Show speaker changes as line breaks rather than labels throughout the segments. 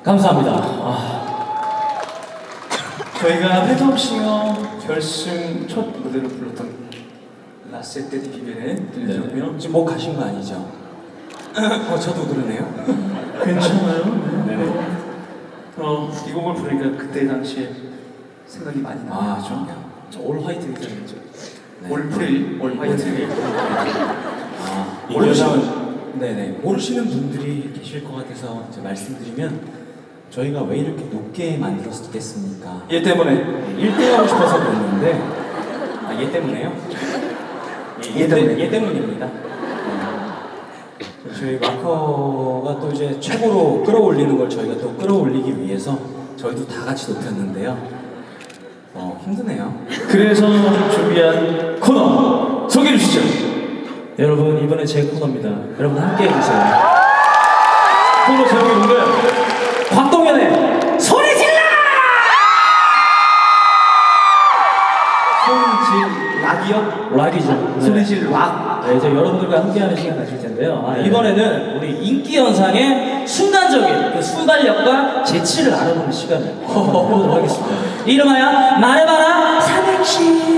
감사합니다.
저희가 패텀싱어 결승 첫 무대로 불렀던 라세테 디 비베네 들려드렸고요.
지금 목 가신 거 아니죠? 저도 그러네요.
괜찮아요?
네네.
이 곡을 부르니까 그때 당시에 생각이 많이 나죠.
저올 화이트 의상이죠.
올프릴, 올 화이트.
네네. 모르시는 분들이 계실 것 같아서 이제 말씀드리면 저희가 왜 이렇게 높게 만들었겠습니까?
얘 때문에
1등 하고 싶어서 그랬는데 얘 때문에요? 얘 때문입니다. 저희 마커가 또 이제 최고로 끌어올리는 걸 저희가 또 끌어올리기 위해서 저희도 다 같이 높였는데요. 힘드네요.
그래서 준비한 코너 소개해 주시죠.
여러분 이번에 제 코너입니다. 여러분 함께 해주세요.
코너 제목이 뭔가요?
곽동현의 소리 질러!
소리질 락이요?
락이죠.
소리질 락.
네, 이제 여러분들과 함께하는 시간 가질 텐데요. 이번에는 우리 인기 현상의 순간적인 그 순발력과 재치를 알아보는 시간을 해보도록 하겠습니다. 이름하여 말해봐라 삼행시.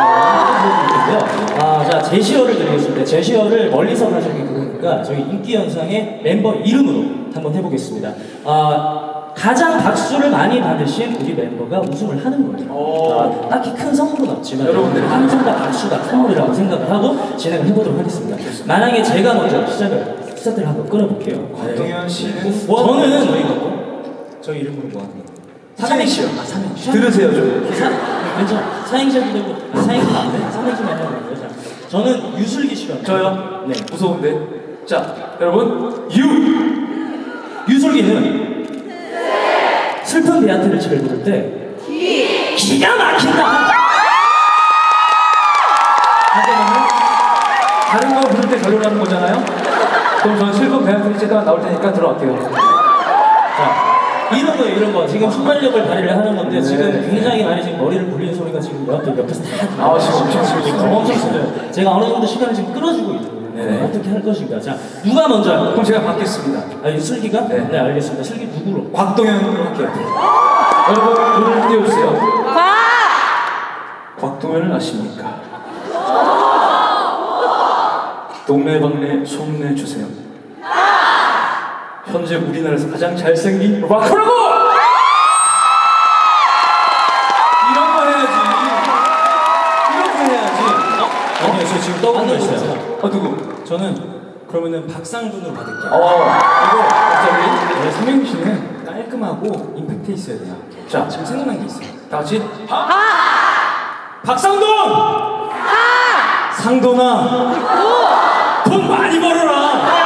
자 제시어를 드리겠습니다. 제시어를 멀리서 가져오기 그러니까 저희 인기 현상의 멤버 이름으로 한번 해보겠습니다. 가장 박수를 많이 받으신 우리 멤버가 우승을 하는 거예요. 딱히 큰 선물은 없지만 여러분들 함성과 박수가 선물이라고 생각을 하고 진행을 해보도록 하겠습니다. 만약에 제가 먼저 스타트를 한번 끊어볼게요.
곽동현 씨는
저는 저희 이름으로 뭐 하는 거?
삼행시요.
삼행시.
들으세요 좀.
괜찮아. 사행시도 되고 사행시 안 돼? 삼행시만 해보는 거죠. 저는 유슬기 씨가.
저요?
네.
무서운데. 자, 여러분
유슬기는 슬픈 베아트를 잘 부를 때 기가 막힌다.
하지만은 다른 거 부를 때 별로라는 거잖아요. 그럼 저는 슬픈 배아프리 제가 나올 테니까 들어갈게요.
자, 이런 거 지금 순발력을 발휘를 하는 건데 지금 굉장히 많이 지금 머리를 굴리는 소리가 지금 옆에서 다
지금
엄청 커요. 제가 어느 정도 시간을 지금 끌어주고 있거든요. 어떻게 할 것인가. 자, 누가 먼저?
그럼 제가 받겠습니다.
슬기가?
네.
알겠습니다. 슬기 누구로?
곽동현으로 할게요. 여러분 눈을 띄워주세요. 곽동현을 아십니까? 동네방네 소문내 주세요. 현재 우리나라에서 가장 잘생긴 락커라고! 이런 거 해야지.
아니요, 저 지금 떠오른 거 있어요.
누구?
저는 그러면은 박상준으로 받을게요.
이거 갑자기
삼행시는 깔끔하고 임팩트 있어야 돼요.
자,
지금 생각난 게 있어요.
다 같이
박상돈! 상돈아! 돈 많이 벌어라!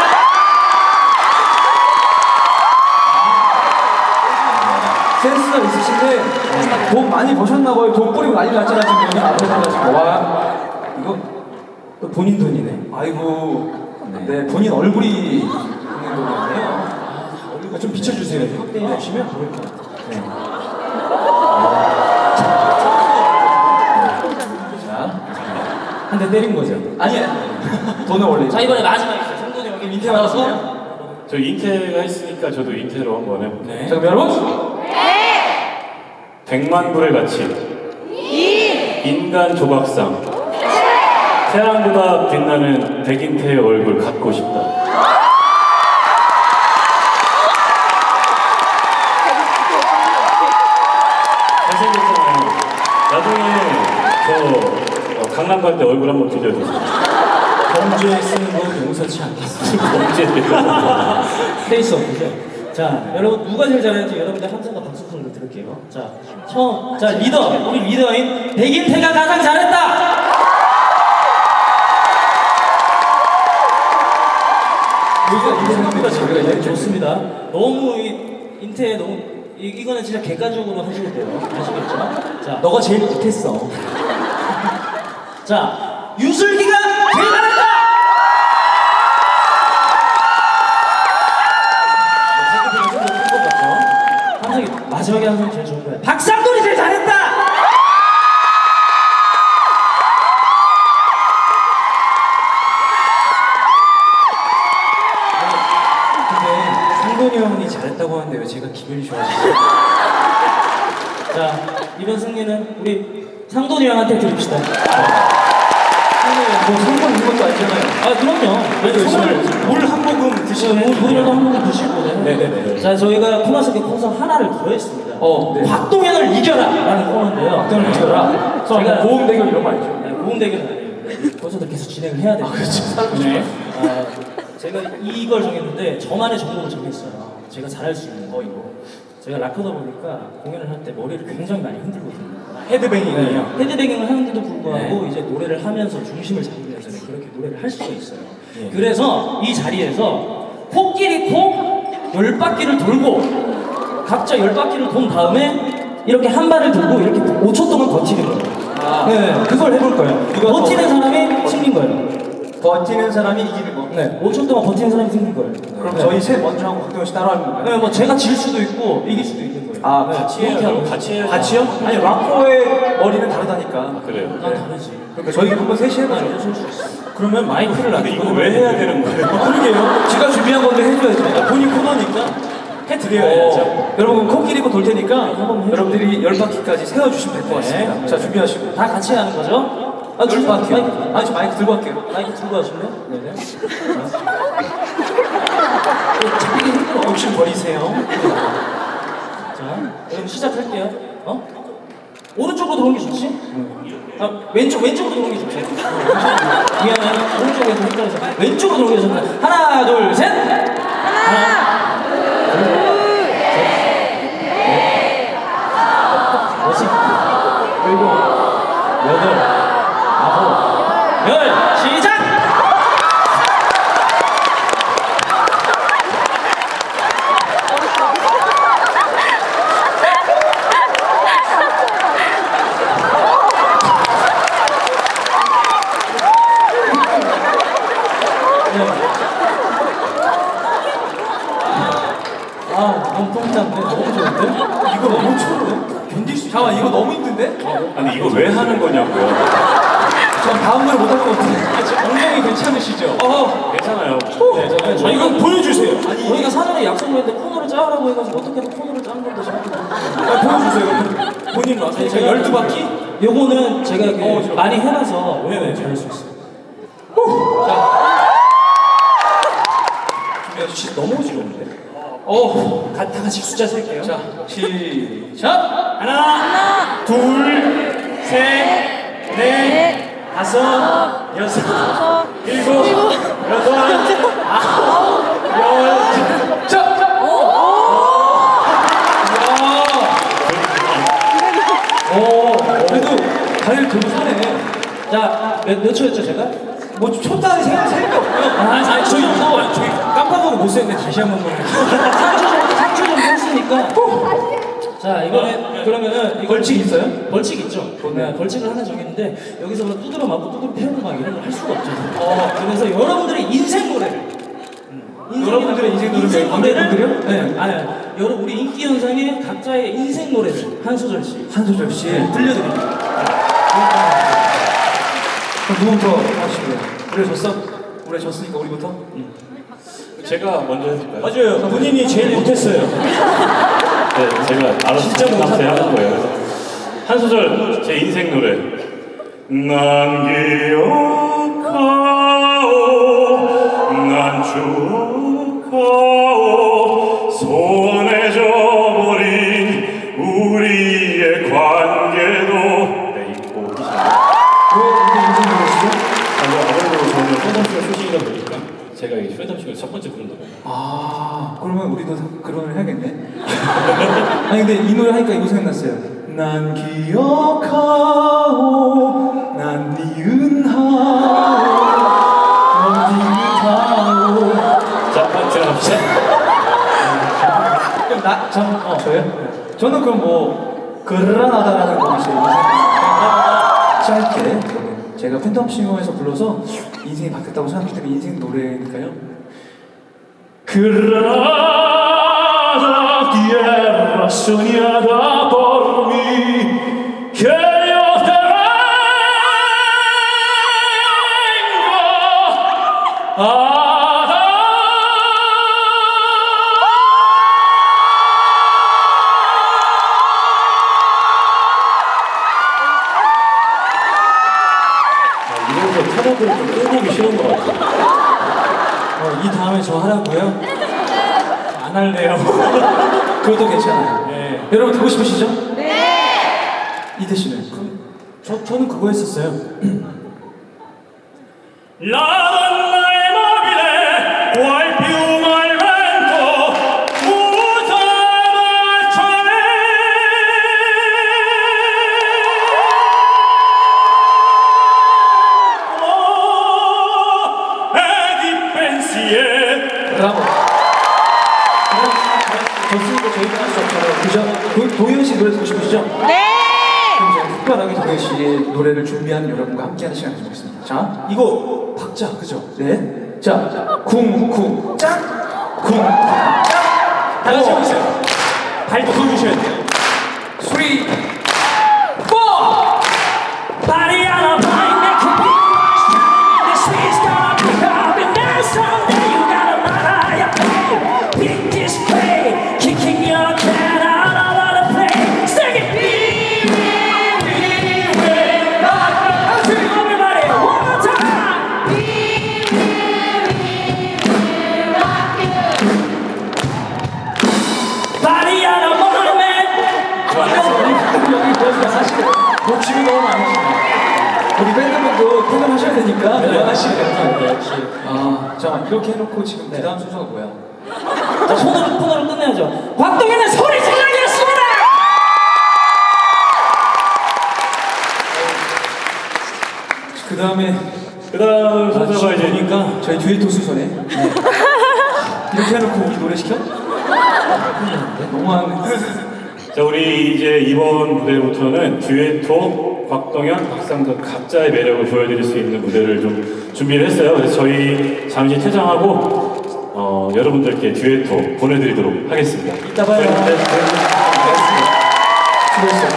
센스가 있으신데 돈 많이 버셨나 봐요. 돈 뿌리고 난리 났잖아 지금 여기 앞에 가지고. 와 이거
또 본인 돈이네.
아이고 네 본인 얼굴이 있는 돈이네요.
좀 비춰주세요. 확대해 주시면 보일 것 같아요. 네. 한 대 때린 거죠?
아니야 돈을 원래.
자, 이번에 마지막이죠. 상돈이 여기 밑에 와서.
저 인테가 했으니까 저도 인테로 한번 해볼게요.
네.
자 그럼 여러분
100만 불의 가치. 인간 조각상. 태양보다 빛나는 백인태의 얼굴 갖고 싶다. 잘생겼잖아요. 나중에 저 강남 갈 때 얼굴 한번 빌려주세요.
범죄에 쓰는 건 용서치 않겠습니다.
범죄돼요.
페이스 오프죠. 자, 여러분 누가 제일 잘하는지 여러분들 함성과 박수 소리를 들을게요. 자, 자 리더, 우리 리더인 백인태가 가장 잘했다. 이거 생각보다 저희가 좋습니다. 너무 인태 너무 이거는 진짜 객관적으로 하셔도 돼요. 아시겠죠? 자, 너가 제일 못했어. 자, 유슬기가 제일 잘했다. 마지막에 한 번 제일 좋은 거야. 박상돈이 제일 잘했다! 근데 상돈이 형이 잘했다고 하는데
왜 제가 기분이 좋아지죠?
자, 이번 승리는 우리 상돈이 형한테 드립시다.
뭐 성공 있는 것도 아니잖아요.
아, 그럼요.
물한 모금 드시네.
물이라도 한 모금 드시고.
네네네.
자, 저희가 코너스케 콘서 하나를 더 했습니다.
네.
박동현을 이겨라! 라는 코너인데요.
박동현을 이겨라?
제가
고음 대결 이런 거 아니죠?
네, 고음 대결은 아니에요. 콘서트 계속 진행을 해야 돼요. 네. 제가 이걸 정했는데 저만의 종목을 정했어요. 제가 잘할 수 있는 거 이거. 제가 락커다 보니까 공연을 할 때 머리를 굉장히 많이 흔들거든요.
헤드뱅잉이요.
헤드뱅잉을 하는데도 불구하고 이제 노래를 하면서 중심을 잡으면서 그렇게 노래를 할 수가 있어요. 그래서 이 자리에서 코끼리 코 10바퀴를 돌고 각자 10바퀴를 돈 다음에 이렇게 한 발을 들고 이렇게 5초 동안 버티는 거예요. 네, 그걸 해볼 거예요. 버티는 사람이 승리인 거예요.
버티는 사람이 이기는 거.
네, 5초 동안 버티는 사람이 승리인 거예요.
그럼 저희 셋 먼저 하고 박동현 씨 따라 하는 건가요?
네, 뭐 제가 질 수도 있고 이길 수도 있는 거예요.
아,
네,
같이
이렇게 하고.
같이 해요.
같이요? 아니 락커의 머리는 다르다니까.
그래요.
난 다르지.
그러니까 저희 한번 셋이 해보죠.
쏠수 있어. 그러면 마이크를
근데 이거 왜 해야 되는 거예요?
그러게요. 제가 준비한 건데 해줘야죠. 본인 코너니까 해드려야죠. 여러분 코끼리 코 돌 테니까 여러분들이 10바퀴까지 세워주시면 될 것 같습니다.
네.
자 준비하시고.
다 같이 하는 거죠? 아,
10바퀴요. 아니 저 마이크 들고 갈게요.
마이크 들고 하실래요? 네네. 잡히기 힘들어.
욕심 버리세요.
자, 그럼 시작할게요. 오른쪽으로 들어오는 게 좋지? 아, 왼쪽으로 들어오는 게 좋지? 미안해. 오른쪽에서 헷갈려서. 왼쪽으로 들어오는 게 좋다. 하나, 둘, 셋! 하나, 둘, 셋, 넷, 다섯, 일곱, 여덟, 아홉, 열, 시작! 너무 똥짠데? 너무 좋은데?
이거 너무 좋은데? 견딜 수. 잠깐 이거 너무 힘든데?
아니 이거 왜 하는 거냐고요?
전 다음 노래 못할 것 같은데.
엉덩이 괜찮으시죠?
괜찮아요.
네, 저희가 보여주세요. 아니, 저희가 사전에 약속을 했는데 코너를 짜라고 해가지고 어떻게든 코너를 짠 건데 저렇게
보여주세요. 본인 와서.
제가 12바퀴? 요거는 제가 많이 해놔서
네네.
잘할 수 있어요.
준비해주시 너무 어지러운데?
다 같이 숫자 셀게요.
자, 시작!
하나, 둘, 셋, 넷, 다섯, 여섯, 일곱, 여덟, 아홉, 열.
자! 그래도 다리를 들고 사네.
자, 몇 초였죠, 제가?
뭐 쳤다는 생각이 없고요.
저희 깜빡하고 못 셌는데 다시 한 번만. 3초 정도 했으니까. 자, 이번에 그러면은 이거
벌칙 있어요?
벌칙 있죠. 네, 벌칙을 하나 정했는데 여기서 막 두드려 맞고 두드려 패고 막 이런 거 할 수가 없죠. 그래서 여러분들의 인생 노래를
여러분들의 인생 노래를
노래를 네, 여러분 우리 인기 현상의 각자의 인생 노래를 한 소절씩
한 소절씩
들려드립니다.
그럼 누구부터 하시고요? 우리 졌어? 우리 졌으니까 우리부터?
제가 먼저 해볼까요?
맞아요. 본인이 제일 못했어요.
네, 제가 알아서
진짜
감사히
못한다.
하는 거예요. 그래서 한 소절 제 인생 노래. 난 기억하오, 난 추억하오, 소원해져 버린 우리의 관계도. 네, 이거
왜 인생 노래시죠?
아무래도 저는 쇼덤쇼 출신이다 보니까 제가 이 쇼덤쇼의 첫 번째 부른 노래.
그러면 우리도 그런 노래 해야겠네. 아니 근데 이 노래 하니까 이거 생각났어요. 난 기억하오, 난 니은하오, 난 니은하오.
자, 들어갑시다.
그럼 저요? 저는 그럼 뭐 그라나다라는 곡이 제 인생 짧게 그러면 제가 팬텀싱어에서 불러서 인생이 바뀌었다고 생각했기 때문에 인생 노래니까요.
Granada, tierra soñada por mí, que yo tengo a dar. 하나도 좀 꼴보기 싫은 것 같아요.
이 다음에 저 하라고요? 안 할래요.
그것도 괜찮아요.
네.
여러분 듣고 싶으시죠? 네. 이대 씨는?
저는 그거 했었어요.
La donna è mobile, qual piuma al vento, muta marciare. Oh, e di pensiero.
브라보. 좋습니다. 저희가 할 수 없잖아요. 그죠? 도현 씨 노래 듣고 싶으시죠? 네! 그럼 제가 특별하게 도현 씨의 노래를 준비하는 여러분과 함께하는 시간을 주겠습니다. 자,
이거 박자 그죠?
네. 자, 쿵쿵 짱! 쿵 짱!
다 같이 해보세요. 발도 굴리셔야 돼요.
3, 4!
Body on a blind neck can be the sweet's gonna be coming down someday. You gotta run out your pain. Pick this play, kicking your can out all of the play. Sing it. Everybody, one more time. Body on a blind man.
여기 보여주면 사실 욕심이 너무 많으시네요. 우리 밴드분도 퇴근하셔야 되니까 그만하시래요.
역시.
자, 이렇게 해놓고 지금 그 다음 순서가 뭐야?
자, 손으로 끝내야죠. 곽동현의 소리 질러겠습니다.
그 다음에
그 다음 순서가 이제
보니까
저희 듀엣도 순서네. 이렇게 해놓고 우리 노래 시켜? 너무한.
자, 우리 이제 이번 무대부터는 듀에토, 곽동현, 박상돈 각자의 매력을 보여드릴 수 있는 무대를 좀 준비를 했어요. 그래서 저희 잠시 퇴장하고 여러분들께 듀에토 보내드리도록 하겠습니다.
이따 봐요.
네.
수고했어요.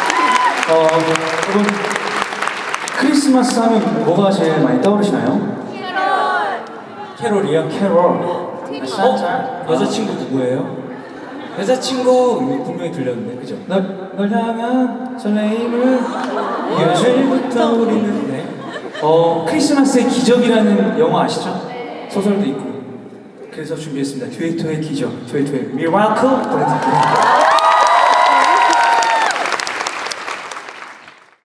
여러분 크리스마스 하면 뭐가 제일 많이 떠오르시나요?
캐롤이요?
캐롤.
여자친구 누구예요? 여자친구 분명히 들렸는데 그죠?
널 향한 설레임을
예술부터 우리는 네.
크리스마스의 기적이라는 영화 아시죠? 소설도 있고. 그래서 준비했습니다. 듀에토의 기적, 듀에토의 미라클 보내드릴게요.